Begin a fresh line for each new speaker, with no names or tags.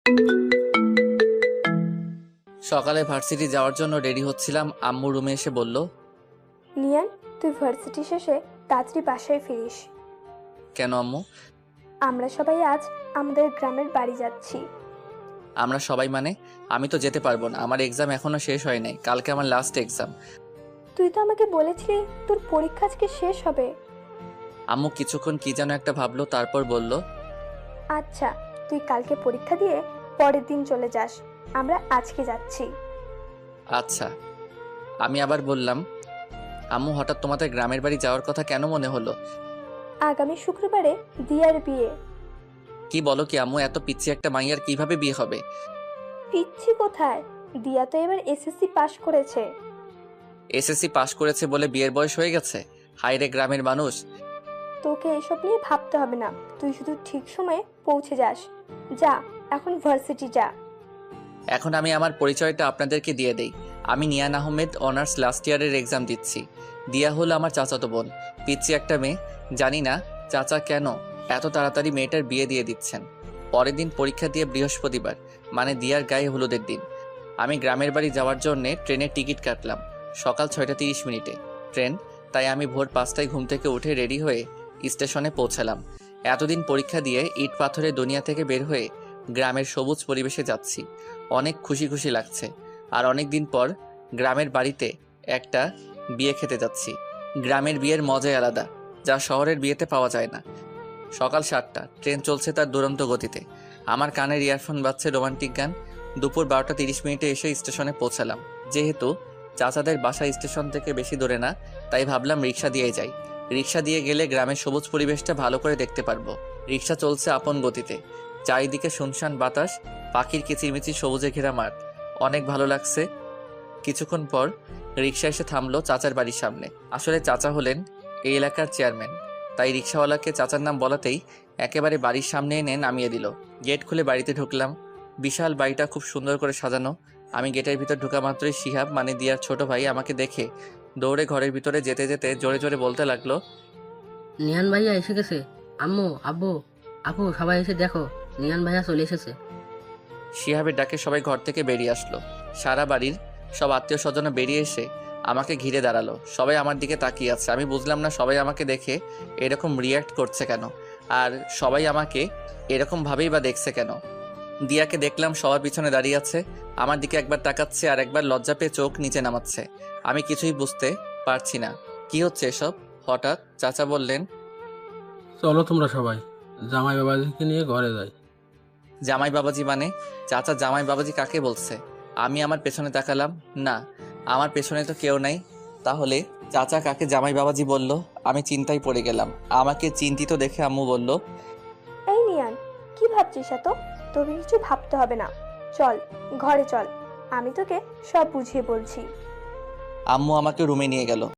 সকালে ভার্সিটি যাওয়ার জন্য রেডি হচ্ছিলাম, আম্মু রুমে এসে বলল,
নিয়ান, তুই ভার্সিটি শেষে তাড়াতাড়ি বাসায় ফিরিস।
কেন আম্মু?
আমরা সবাই আজ আমাদের গ্রামের বাড়ি যাচ্ছি।
আমরা সবাই মানে? আমি তো যেতে পারবো না, আমার এক্সাম এখনো শেষ হয় নাই, কালকে আমার লাস্ট এক্সাম।
তুই তো আমাকে বলেছিলি তোর পরীক্ষা আজকে শেষ হবে।
আম্মু কিছুক্ষণ কি যেন একটা ভাবলো, তারপর বলল,
আচ্ছা, তুই কালকে পরীক্ষা দিয়ে পরের দিন চলে যাস, আমরা আজকে যাচ্ছি।
আচ্ছা। আমি আবার বললাম, আম্মু হঠাৎ তোমাদের গ্রামের বাড়ি যাওয়ার কথা কেন মনে হলো?
আগামী শুক্রবারে দিয়ার বিয়ে।
কি বলো কি আম্মু, এত পিচ্ছি একটা মাইয়ার কিভাবে বিয়ে হবে?
পিচ্ছি কোথায়, দিয়া তো এবার এসএসসি পাশ করেছে।
এসএসসি পাশ করেছে বলে বিয়ের বয়স হয়ে গেছে? হায়রে গ্রামের মানুষ।
তোকে এসব নিয়ে ভাবতে হবে না, তুই শুধু ঠিক সময়ে পৌঁছে যাস। যা, এখন ভার্সিটি যা।
এখন আমি আমার পরিচয়টা আপনাদেরকে দিয়ে দেই। আমি নিয়ান আহমেদ, অনার্স লাস্ট ইয়ারের এক্সাম দিচ্ছি। দিয়া হলো আমার চাচাতো বোন, পিচ্ছি একটা মেয়ে। জানি না চাচা কেন এত তাড়াতাড়ি মেয়েটার বিয়ে দিয়ে দিচ্ছেন। পরের দিন পরীক্ষা দিয়ে বৃহস্পতিবার, মানে দিয়ার গায়ে হলুদের দিন। আমি গ্রামের বাড়ি যাওয়ার জন্য ট্রেনের টিকিট কাটলাম সকাল 6:30 ট্রেন। তাই আমি ভোর 5টায় ঘুম থেকে উঠে রেডি হয়ে স্টেশনে পৌঁছালাম। এতদিন পরীক্ষা দিয়ে ইট পাথরের দুনিয়া থেকে বের হয়ে গ্রামের সবুজ পরিবেশে যাচ্ছি। অনেক খুশি খুশি লাগছে। আর অনেক দিন পর গ্রামের বাড়িতে একটা বিয়ে খেতে যাচ্ছি। গ্রামের বিয়ের মজাই আলাদা, যা শহরের বিয়েতে পাওয়া যায় না। সকাল 7টা, ট্রেন চলছে তার দুরন্ত গতিতে। আমার কানের ইয়ারফোন বাজছে রোমান্টিক গান। দুপুর 12টা 30 এসে স্টেশনে পৌঁছালাম। যেহেতু চাচাদের বাসা স্টেশন থেকে বেশি দূরে না, তাই ভাবলাম রিক্সা দিয়ে যাই। রিক্সা দিয়ে গেলে গ্রামের সবুজ পরিবেশটা ভালো করে দেখতে পারবো। রিক্সা চলছে আপন গতিতে। চারিদিকে শুনশান বাতাস, পাখির কিচিরমিচির সবুজে ঘেরা মাঠ। অনেক ভালো লাগছে। কিছুক্ষণ পর রিক্সা এসে থামলো চাচার বাড়ির সামনে। আসলে চাচা হলেন এই এলাকার চেয়ারম্যান, তাই রিক্সাওয়ালাকে চাচার নাম বলাতেই একেবারে বাড়ির সামনে এনে নামিয়ে দিল। গেট খুলে বাড়িতে ঢুকলাম। বিশাল বাড়িটা খুব সুন্দর করে সাজানো। আমি গেটের ভিতর ঢোকা মাত্রই শিহাব, মানে দিয়ার ছোট ভাই, আমাকে দেখে দৌড়ে ঘরের ভিতরে যেতে যেতে জোরে জোরে বলতে লাগলো,
নিহান ভাইয়া এসে গেছে। আম্মু, আব্বু, আপু, সবাই এসে দেখো, নিহান ভাইয়া চলে এসেছে।
শিহাবের ডাকে সবাই ঘর থেকে বেরিয়ে আসলো। সারা বাড়ির সব আত্মীয় স্বজন বেরিয়ে এসে আমাকে ঘিরে দাঁড়ালো। সবাই আমার দিকে তাকিয়ে আছে। আমি বুঝলাম না সবাই আমাকে দেখে এরকম রিয়্যাক্ট করছে কেন, আর সবাই আমাকে এরকম ভাবেই বা দেখছে কেন। দিয়াকে দেখলাম সবার পিছনে দাঁড়িয়ে আছে, আমার দিকে একবার তাকাচ্ছে আর একবার লজ্জা পেয়ে চোখ নিচে নামাচ্ছে। আমি কিছুই বুঝতে পারছি না কি হচ্ছে এসব। হঠাৎ চাচা বললেন,
চলো তোমরা সবাই জামাই বাবাজিকে নিয়ে ঘরে যাই।
জামাই বাবাজি মানে? চাচা জামাই বাবাজি কাকে বলছে? আমি আমার পেছনে তাকালাম, না, আমার পেছনে তো কেউ নাই। তাহলে চাচা কাকে জামাই বাবাজি বলল? আমি চিন্তায় পড়ে গেলাম। আমাকে চিন্তিত দেখে আম্মু বলল,
এই নিয়ান, কি ভাবছিস এত? তোকে কিছু ভাবতে হবে না, চল ঘরে চল, আমি তোকে সব বুঝিয়ে বলছি।
আম্মু আমাকে রুমে নিয়ে গেল।